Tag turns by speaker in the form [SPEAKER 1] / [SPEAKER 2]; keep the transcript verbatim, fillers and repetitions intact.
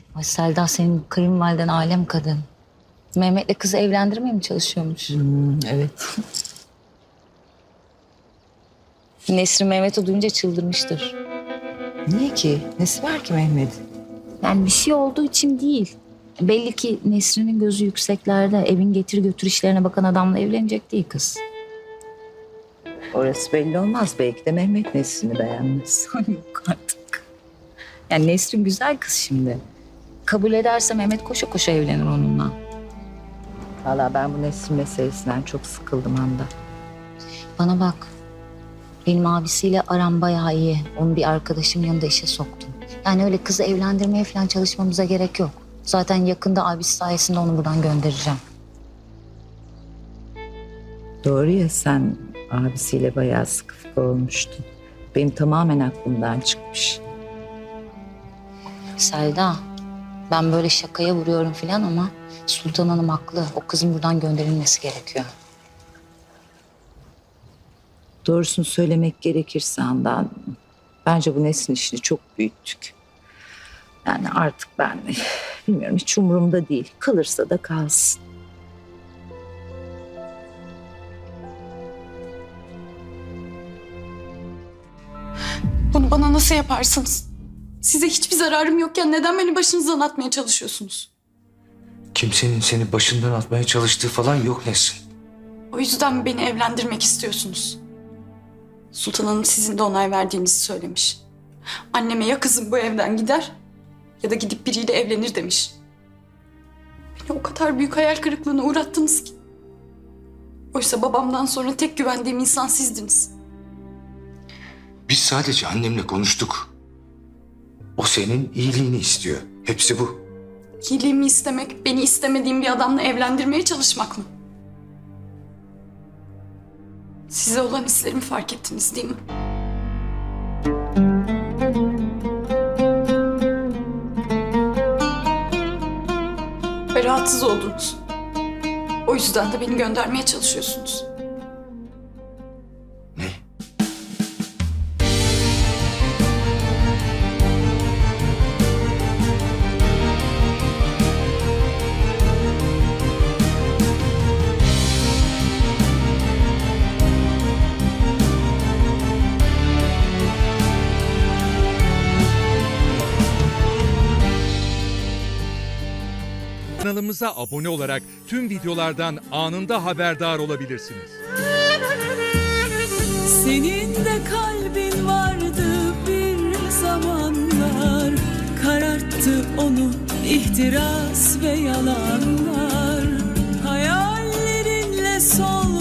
[SPEAKER 1] Ay Selda, senin kayınvaliden alem kadın. Mehmet'le kızı evlendirmeye mi çalışıyormuş?
[SPEAKER 2] Hmm, evet.
[SPEAKER 1] Nesrin Mehmet'i duyunca çıldırmıştır.
[SPEAKER 2] Niye ki? Nesi var ki Mehmet'in?
[SPEAKER 1] Yani bir şey olduğu için değil. Belli ki Nesrin'in gözü yükseklerde. Evin getir götür işlerine bakan adamla evlenecek değil kız.
[SPEAKER 2] Orası belli olmaz. Belki de Mehmet Nesrin'i beğenmez.
[SPEAKER 1] Yok artık. Yani Nesrin güzel kız şimdi. Kabul ederse Mehmet koşa koşa evlenir onunla.
[SPEAKER 2] Vallahi ben bu Nesrin meselesinden çok sıkıldım Handa.
[SPEAKER 1] Bana bak. Benim abisiyle aram bayağı iyi. Onu bir arkadaşım yanında işe soktum. Yani öyle kızı evlendirmeye falan çalışmamıza gerek yok. Zaten yakında abisi sayesinde onu buradan göndereceğim.
[SPEAKER 2] Doğru ya, sen abisiyle bayağı sıkı fıkı olmuştun. Benim tamamen aklımdan çıkmış.
[SPEAKER 1] Selda, ben böyle şakaya vuruyorum falan ama Sultan Hanım haklı. O kızın buradan gönderilmesi gerekiyor.
[SPEAKER 2] Doğrusunu söylemek gerekirse Handan, bence bu Nesrin işini çok büyüttük. Yani artık ben bilmiyorum, hiç umurumda değil. Kalırsa da kalsın.
[SPEAKER 3] Bunu bana nasıl yaparsınız? Size hiçbir zararım yokken neden beni başınızdan atmaya çalışıyorsunuz?
[SPEAKER 4] Kimsenin seni başından atmaya çalıştığı falan yok Nesrin.
[SPEAKER 3] O yüzden mi beni evlendirmek istiyorsunuz? Sultan Hanım sizin de onay verdiğinizi söylemiş. Anneme ya kızım bu evden gider ya da gidip biriyle evlenir demiş. Beni o kadar büyük hayal kırıklığına uğrattınız ki. Oysa babamdan sonra tek güvendiğim insan sizdiniz.
[SPEAKER 4] Biz sadece annemle konuştuk. O senin iyiliğini istiyor. Hepsi bu.
[SPEAKER 3] İyiliğimi istemek, beni istemediğim bir adamla evlendirmeye çalışmak mı? Size olan hislerimi fark ettiniz değil mi? Ve rahatsız oldunuz. O yüzden de beni göndermeye çalışıyorsunuz.
[SPEAKER 4] Ne?
[SPEAKER 5] Kanalımıza abone olarak tüm videolardan anında haberdar olabilirsiniz.
[SPEAKER 6] Senin de kalbin vardı bir zamanlar, kararttı onu ihtiras ve yalanlar. Hayallerinle sol